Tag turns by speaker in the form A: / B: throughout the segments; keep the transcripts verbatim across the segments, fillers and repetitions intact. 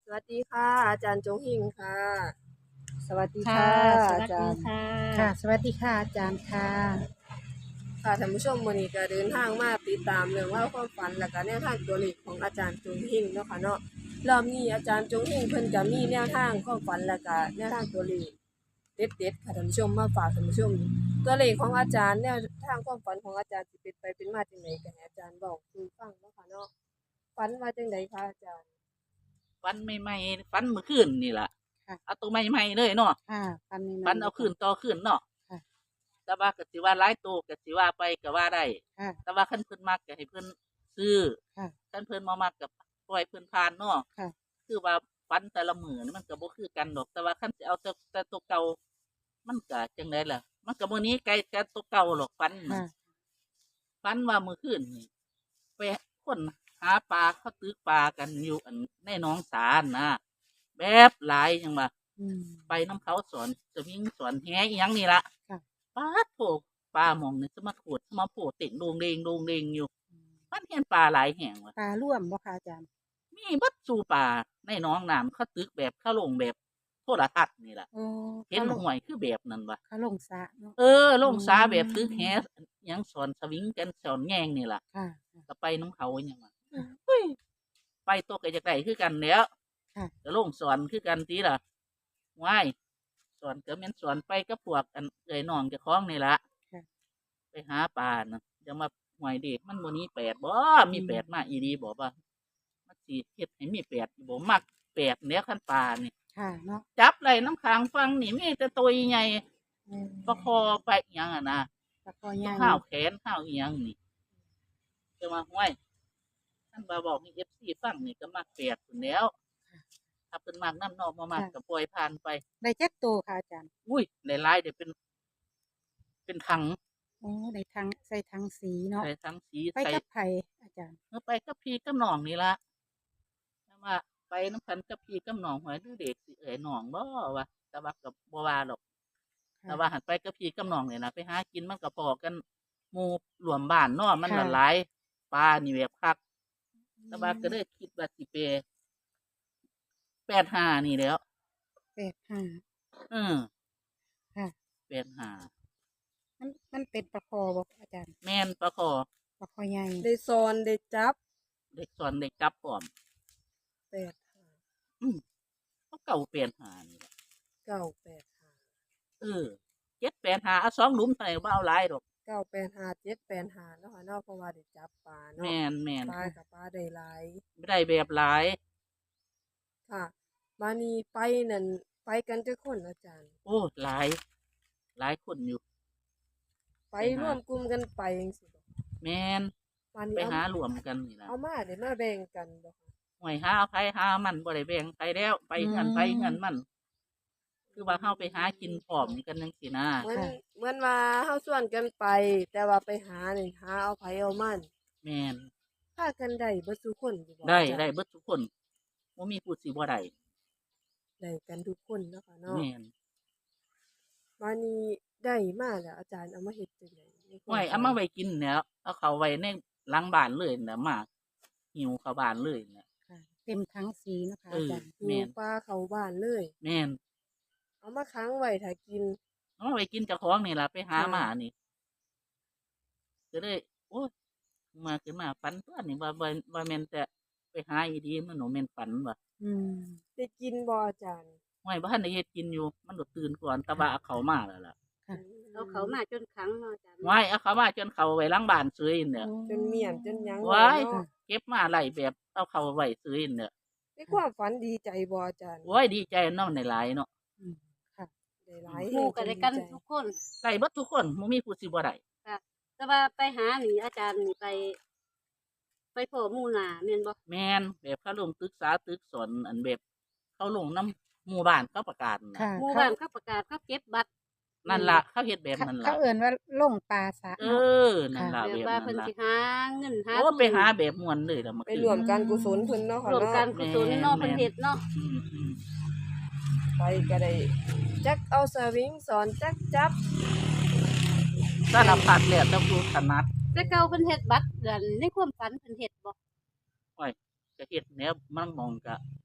A: วัสดีค่ะ อาจารย์จงหิ่งค่ะ
B: สวัสดี
C: ค่ะ
B: ค่ะ
C: ส
B: อา
C: วัสดี
B: จารย์
C: ค่
B: ค่ะ
C: ะ
B: สวัสดีค่ะอาจารย์ค่ะ
A: ค่ะท่านผู้ชมมื้อนี้ก็เดินทางมาติดตามเรื่องเล่าวความฝันและก็แนวทางตัวเลขของอาจารย์จงหิ่งเนาะค่ะเนาะรอบนี้อาจารย์จงหิ่งเพิ่นก็มีแนวทางความฝันและก็แนวทางตัวเลขเด็ดๆค่ะท่านผู้ชมมาฝากท่านผู้ชมตัวเลขของอาจารย์แนวทางความฝันของอาจารย์สิเป็นไปเป็นมาจังไดก็ให้อาจารย์เว้าสู่ฟังเนาะค่ะเนาะฝันว่าจังไดคะอาจารย์
C: ฝันใหม่ๆฝันเมื่อคืนนี่ล่ะ
B: ค่ะ
C: เอาตัวใหม่ๆเลยเนาะ
B: ค่ะฟันให
C: ฝั
B: ม่ๆเล
C: นเอาคืน
B: ยค่ะ
C: ต่อคืนเนาะ
B: ค่ะ
C: แต่ว่าก็สิว่าหลายโตก็สิว่าไปก็ว่าได้
B: ค่ะ
C: แต่ว่าคันเพิ่นมักก็ให้เพิ่นซื้อ
B: ค่ะ
C: คันเพิ่นบ่มักก็ปล่อยเพิ่นผ่านเนาะ
B: ค่ะ
C: คือว่าฝันแต่ละมื้อนี่มันก็บ่คือกันดอกแต่ว่าคันสิเอาแต่แต่ตัวเก่ามันก็จังได๋ล่ะมันก็บ่หนีไกลจากตัวเก่าหรอกฝันน่ะ
B: ค่ะ
C: ฝันว่ามื้อคืนนี่ไปคนหาปลาเขาตึกปลากันอยู่อันในหนองสานะแบบหลายจังว่า
B: อืม
C: ไปน้ำเขาสอนสวิงสอนแหอีหยังนี่ละ
B: ค่ะ
C: ป้าดโถปลาหมองนี่จะมาขวดมาโผล่เต่งโดงเดงโดงเดงอยู่มันเห็นปลาหลายแห่งว่ะ
B: ปลาร่วมบ่ค่ะอาจารย์
C: มีบัดสู่ปลาในหน้องน้ำเขาตึกแบบเขาลงแบบโทรทัศน์นี่แหละ
B: โอ้
C: เห็น
B: เขาลง
C: ห่วยคือแบบนั้นว่ะ
B: เขาลงสระเนาะ
C: เออล
B: อื
C: งสาแบบตึกแห
B: ม
C: หยังสอนสวิงกันสอนแง่งนี่ล่ะ
B: ค่ะ
C: ก็ไปน้ำเขาอหยังว่ะ
B: ค่ะ
C: เฮ้ยไปตกไอ้จากไหนคือกันแล้ว
B: ค่ะ
C: ก็ลงสอนคือกันทีล่ะว้ายสอนก็แม่นสอนไปกับพวกอันเอ่ยน้องเจ้าของนี่ล่ะ
B: ค่ะ
C: ไปหาปลานะจะมาหวยเด็กมันบ่นี้แปดบ่มี
B: อืม
C: แปดมาอีดีบอกว่ามันสิเฮ็ดให้มีแปดบ่มักแปดเนี้ยคันปลานี่
B: ค่ะเนาะ
C: จับไหลน้ำค้างฟังนี่มีแต่ตัวใหญ่
B: อืม
C: ประคอไปอหยังอ่ะนะ
B: ปลาคอให
C: ตัว
B: ญ่
C: ห้าวแขนห้าวอีหยังนี่จะมาห้วยท่านบาบอกให้ เอฟ ซี ฟังนี่ก็มักแปดพุ่นแหล้วถ้าเพิ่นมักนำนอกบ่มัก
B: ค่ะ
C: ก็ปล่อยผ่านไป
B: ได้จักโตค่ะอาจารย์
C: อุ้ยหลายๆเดี๋ยวเป็นเป็นถัง
B: โอ้ได้ทั้งใส่ทั้งสีเนาะ
C: ใส่ถังสี
B: ไป
C: ใส่
B: กับไผอาจารย์
C: เมื่อไปกับพี่กับน้องนี่ล่ะ แต่ว่าไปน้ำพันกับพี่กับน้องหอยดูเด็กสิเอ๋ยน้องบ่วะแต่ว่ากับบัวาหรอกแต่ว่า
B: ค่ะ
C: หันไปกับพี่กับน้องเนี่ยนะไปหากินมันก็พอกันหมู่รวมบ้านเนาะมันละ
B: ค่ะ
C: หลายปลานี่แบบคัก
B: อื
C: แต่ว่าก็
B: ม
C: เลยคิดว่าสิเปแปดห้านี่แหล้ว
B: แปดห้า
C: เออ
B: ค่ะ
C: แปดห้า
B: มันมันเป็นปลาคอบ่อาจารย์
C: แม่นปลาคอ
B: ปลาคอใหญ่
A: ได้ซอนได้จับ
C: เด็กสอนเด็กจับพร้อม
A: แปดห้า
C: อืมเขาเก่าแปดห้านี่แหละ
A: เก้าแปดห้า
C: เออเจ็ดแปดห้าเอาสองหลุมเท่าไหร่บ่เอาหลายดอก
A: เก้าแปดห้าเจ็ดแปดห้าเนาะค่ะเนาะเพราะว่าได้จับปลาเนาะ
C: แม่นแม่น
A: ปลากับปลาได้หลาย
C: ไม่ได้แบบหลาย
A: ค่ะมานี่ไปนั่นไปกันจักคนอาจารย์
C: โอ้หลายหลายคนอยู่
A: ไป
C: ไปหา
A: ร่วมกลุ่มกันไปจังซี่บ่
C: แมน
A: มา
C: ไป
A: นี่เอา
C: หารวมกันนี่ล่ะ
A: เอามาได้มาแบ่งกันบ่คะ
C: ห่วยหาไผหามันบ่ได้แบ่งไปแล้ว ไป
B: อื
C: เงินไปเงิน
B: ม
C: มัน คือว่าเฮาไปหากินพร้อมกันจังซี่นะ
A: เหมือน
B: ค่ะ
A: เหมือนว่าเฮาชวนกันไป แต่ว่าไปหานี่หาเอาไผเอามัน
C: แม่น
A: พากันได้เบิดซุคนอยู่บ่
C: ได้
A: อาจารย์
C: ได้เบิดทุกคนบ่มีผู้สิบ่ได้
A: ได้กันทุกคนเนาะค่ะเนาะ
C: แม่น
A: มานี่ได้มาแล้วอาจารย์เอามาเฮ็ดจังไดในค
C: ห่วย
A: วามฝัน
C: เอามาไว้กินแหล้วเอาเข้าไว้ในหลังบ้านเลยน่ะมาหิวเข้าบ้านเลยน่ะ
B: ค่ะเต็มทั้งสีนะคะ
C: เออ
B: อาจารย์
A: หิว
C: แม่น
A: ปลาเข้าบ้านเลย
C: แม่น
A: เอามาค้างไว้ถ้ากิน
C: เอามาไว้กินเจ้าของนี่ล่ะไปหา
A: ค่ะ
C: มานี่ก็เลยโอ้ยมาขึ้นมาฝันตัวนี่ว่าว่าว่าแม่นแต่ไปหาอีดีมันหนูแม่นฝันว่ะ
B: อืม
A: ได้กินบ่อาจารย์
C: ห้วยบ่ทันได้เฮ็ดกินอยู่ มันโดดตื่นก่อนแต่ว่าเอา
B: ค่ะ
C: เขามาแล้วล่ะ
B: ค่ะ
A: อื
D: เอาเขา
A: ม
D: มาจนขังเนาะอาจารย์
C: ห้ว
D: เนาะ
C: ยเอาเขามาจนเขาไว้หลังบ้านซื้อเนี่ย
B: โอ้
A: จนเมียนจนหยังแล้
C: ว้าย
A: วเนาะ
B: ค่ะ
C: เก็บมาไล่แบบเอาเขาไว้ซื้อเนี่ย
A: ในความฝันดีใจบ่อาจารย์
C: โอ้ยดีใจนำได้หลายเนาะ
B: อืมค่ะ
A: ได้หลาย
D: ห
A: แฮงจ
D: มู่ก็ได้กัน
A: นดีใจ
D: ทุกคน
C: ได้เบิดทุกคนบ่มีผู้สิบ่ได้
D: ค่ะแต่ว่าไปหานี่อาจารย์นี่ไป ไปพ้อหมู่หน้าแม่นบ่
C: แม่นแบบเขาลงตึกษาตึกสนอันแบบเขาลงนำหมู่บ้านเขาประกาศน่ะ
B: ค่ะ
D: หมู่
B: เขา
D: บ้านเขาประกาศเขาเก็บบัตร
C: นั่นล่ะเขาเฮ็ดแบบ
B: เขา
C: นั้น
B: เขา
C: ล่ะ
B: เอิ่นว่าลงปลาสระ
C: เอ
B: เนาะ
C: อนั่น
B: ค่ะ
C: ล่ะ
D: แบบ
C: แบบ
D: ว่า
C: นั้นล่ะ
D: เพิ่นสิหาเงินหา
C: โอ้
D: ทุน
C: ไปหาแบบม่วนเลยล่ะเมื่อ
A: ไป
C: คืน
A: ร่วมการกุศลเพิ่นเนาะค่ะ
D: ร่วม
A: เนาะ
D: การกุศลเนาะเพิ่นเฮ็ดเนาะ
C: อืม
A: ไปก็ได้จักเอาสวิงสอนจักจับ
C: ๆสารพัดแล้วแต่ผู้ถนัด
D: แต่เก่าเพิ่นเฮ็ดบัตรเดือนในความฝันเพิ่นเฮ็ดบ่
C: โอ้ยก็เฮ็ดแนวมันมองก็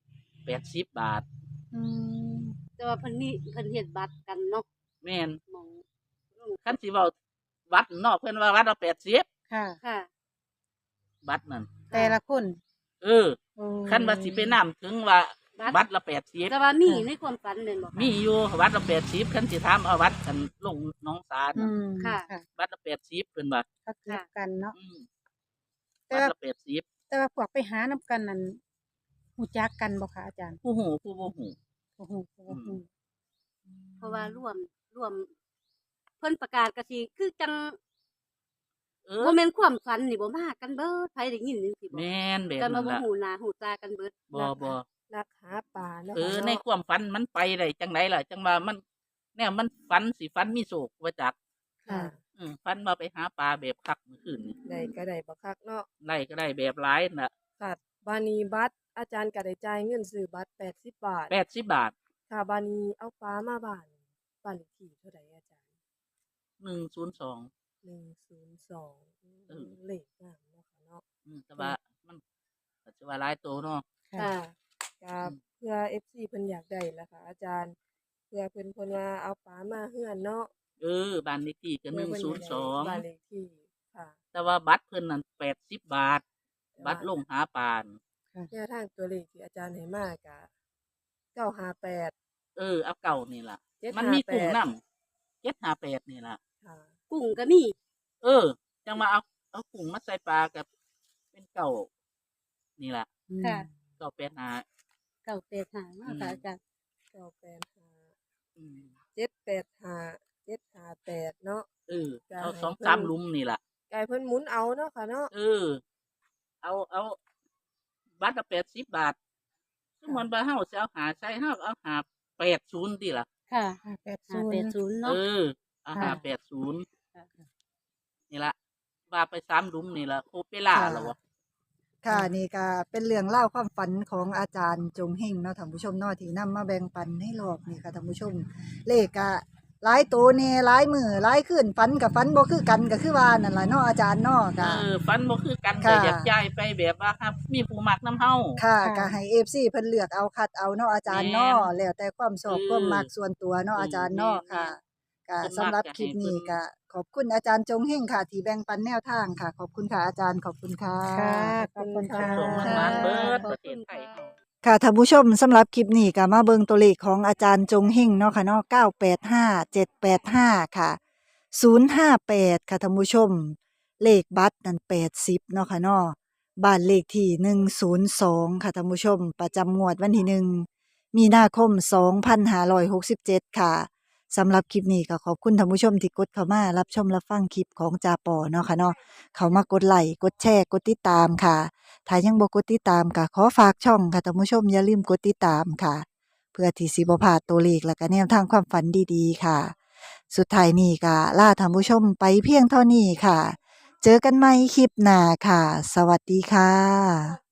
C: แปดสิบบาท
B: อืม
D: แต่ว่าเพิ่นมีเพิ่นเฮ็ดบัตรกันเนาะ
C: แม่น
D: หมองลง
C: คันสิเว้าวัดนอกเพิ่นว่าวัดละแปดสิบ
B: ค่ะ
D: ค่ะ
C: บัตรนั่น
B: แต่ละคน
C: เออ
B: โอ้
C: คันว่าสิไปนำถึงว่า
D: บัตร
C: วัดละแปดสิบ
D: แต่ว่ามีในความฝันแม่นบ่คะ
C: มีอยู่วัดละแปดสิบคันสิถามเอาวัดกันลงหน้องสา
B: อื
C: น่ะ
B: ม
D: ค่ะ
B: ค่ะ
C: วัดละแปดสิบเพิ่นว่า
B: ก็เกิดกันเนาะ
C: อืม
B: แต่
C: วัด
B: ว่า
C: ละแปดสิบ
B: แต่ว่าพวกไปหานํกันนั่นฮู้จักกันบ่คะอาจารย์
C: ผู้หูผู้บ่หู
B: โอ้โหโอ้โห
D: เพราะว่าร่วมร่วม เพิ่นประกาศก็สิคือจัง
C: เออ
D: บ่แม่นความฝันนี่บ่มากันเบิดไผได้ยินจังซี่บ่
C: แม่นแบบ
D: กัน
C: นั้
D: มาน บ่
C: ล่ะ
D: ฮู้หน้าฮู้ตากันเบิด
C: บ่บ่
A: นักหาปลาเนาะ
C: เออ
A: ค่ะ
C: ใน
A: เนาะ
C: ความฝันมันไปได้จังไดล่ะ จังว่ามันแนวมันฝันสิฝันมีโศกว่าจัก
A: ค่ะ
C: อืมฝันว่าไปหาปลาแบบคักเมื่อคืนนี่
A: ได้ก็ได้บักคักเนาะ
C: ได้ก็ได้แบบหลายน่ะ
A: ค่ะบานีบัตรอาจารย์ก็ได้จ่ายเงินซื้อบัตรแปดสิบบาท
C: แปดสิบบาท
A: ค่ะบานีเอาปลามาบ้านบ้านเลขที่เท่าใดอาจารย์
C: หนึ่งศูนย์สอง
A: หนึ่งศูนย์สอง
C: เออ
A: เลขงามเนาะค่ะเนาะ
C: อืมแต่ว่ามันก็สิว่าหลายโตเนาะ
B: ค่ะ
A: ค่ะก็เพื่อ เอฟ ซี เพิ่นอยากได้ล่ะค่ะ อาจารย์ เพื่อเพิ่นเพิ่นว่าเอาปลามาเฮือนเนาะ
C: เออบ้านเลขที่ก็ห
A: เพื่
C: นึ่
A: อง เพิ่น
C: ศู
A: อยาน ก
C: ย์
A: ได้
C: สอง
A: บ้านเลขที่ค่ะ
C: แต่ว่าบัตรเพิ่นนั่นแปดสิบบาท
A: แต่ว่า
C: บัตรลงหาปลาน่ะ
A: แนวทางตัวเลขที่อาจารย์ให้มาก็เก้าห้าแปด
C: เออเอาเก่านี่ล่ะ
A: เจ็ด
C: มัน
A: ห้า
C: มี
A: แป
C: กุ้ง
A: ด
C: น้ำเจ็ดห้าแปดนี่ล่ะ
A: ค่ะ
D: กุ้งก็มี
C: เออ จังมาเอาเอากุ้งมาใส่ปลากับเป็นเก่านี่ล่ะ
D: ค่ะ
C: เก่าแปดหา
D: เก้าแปดห้าเนาะค่ะอาจารย์
A: เก้าแปดห้า
C: อืม
A: เจ็ดแปดห้าเจ็ดห้าแปดเนาะ
C: เออ
A: จ้ะ
C: เอา
A: ให้
C: สอง
A: เพิ่น
C: สามหลุมนี่ล่ะ
A: ไก่เพิ่นหมุนเอาเนาะค่ะเนาะ
C: เออ เอาเอาบัตรละแปดสิบบาทซึ่งมันบาเฮาสิเอาหาใช้เฮาก็เอาหาแปดศูนย์ดีล่ะ
D: ค่ะ
B: ห้าแปด
D: ห้า
B: ศูน
D: แปด
B: ย์
D: ศูนย์
C: เอ
D: เนาะ
C: อเอาหาแปดศูนย์
D: ค่ะ
C: นี่ล่ะว่าไปสามหลุมนี่ล่ะโคเปล่า
E: ค่ะ
C: แล้ววะ
E: ค่ะนี่ก็เป็นเรื่องเล่าวความฝันของอาจารย์จงเฮงเนาะท่านผู้ชมเนาะที่นำมาแบ่งปันให้รอบนี่ค่ะท่านผู้ชม เลขก็หลายตัวแน่หลายมือหลายขึ้นฝันกับฝันบ่คือกันก็คือว่านั่นล่ะเนาะอาจารย์เนาะ
C: เอ
E: ก็
C: อฟันบ่คือกัน
E: ค่ะ
C: ก็อยากจ่ายไปแบบว่าครับ มีผู้มักน้ำเฮา
E: ค่ะ
B: ค่ะ
E: ก็ให้ เอฟ ซี เพิ่นเลือกเอาคัดเอาเนาะอาจารย์เนาะแล้วแต่ความชอบ
C: เออ
E: ความมักส่วนตัวเนาะ
C: เออ
E: อาจารย์เนาะ
C: แม่น
E: ค่ะก็
C: เพิ่นมัก
E: สำหรับ
C: อยาก
E: คลิป
C: ให้
E: นี้
C: เพิ่น
E: ก็ขอบคุณอาจารย์จงเฮงค่ะ ที่แบ่งปันแนวทางค่ะ ขอบคุณค่ะอาจารย์ขอบคุณค่ะ
B: ค่ะ ขอบคุณค่ะ
C: ส่งมันมาเบิดประเทศไทยเฮา
E: ค่ะท่านผู้ชมสำหรับคลิปนี้ก็มาเบิ่งตัวเลขของอาจารย์จงเฮงเนาะค่ะเนาะเก้าแปดห้า เจ็ดแปดห้าค่ะศูนย์ห้าแปดค่ะท่านผู้ชม เลขบัตรนั่นแปดสิบเนาะค่ะเนาะบ้านเลขที่หนึ่งศูนย์สองค่ะท่านผู้ชม ประจำงวดวันที่หนึ่งมีนาคมสองพันห้าร้อยหกสิบเจ็ดค่ะสำหรับคลิปนี้ก็ขอบคุณท่านผู้ชมที่กดเข้ามารับชมรับฟังคลิปของจาปอเนาะค่ะเนาะเขามากดไลค์กดแชร์กดติดตามค่ะ ถ้ายังบ่กดติดตามก็ขอฝากช่องค่ะท่านผู้ชมอย่าลืมกดติดตามค่ะ เพื่อที่สิบ่พลาดตัวเลขและก็แนวทางความฝันดีๆค่ะ สุดท้ายนี้ก็ลาท่านผู้ชมไปเพียงเท่านี้ค่ะ เจอกันใหม่คลิปหน้าค่ะ สวัสดีค่ะ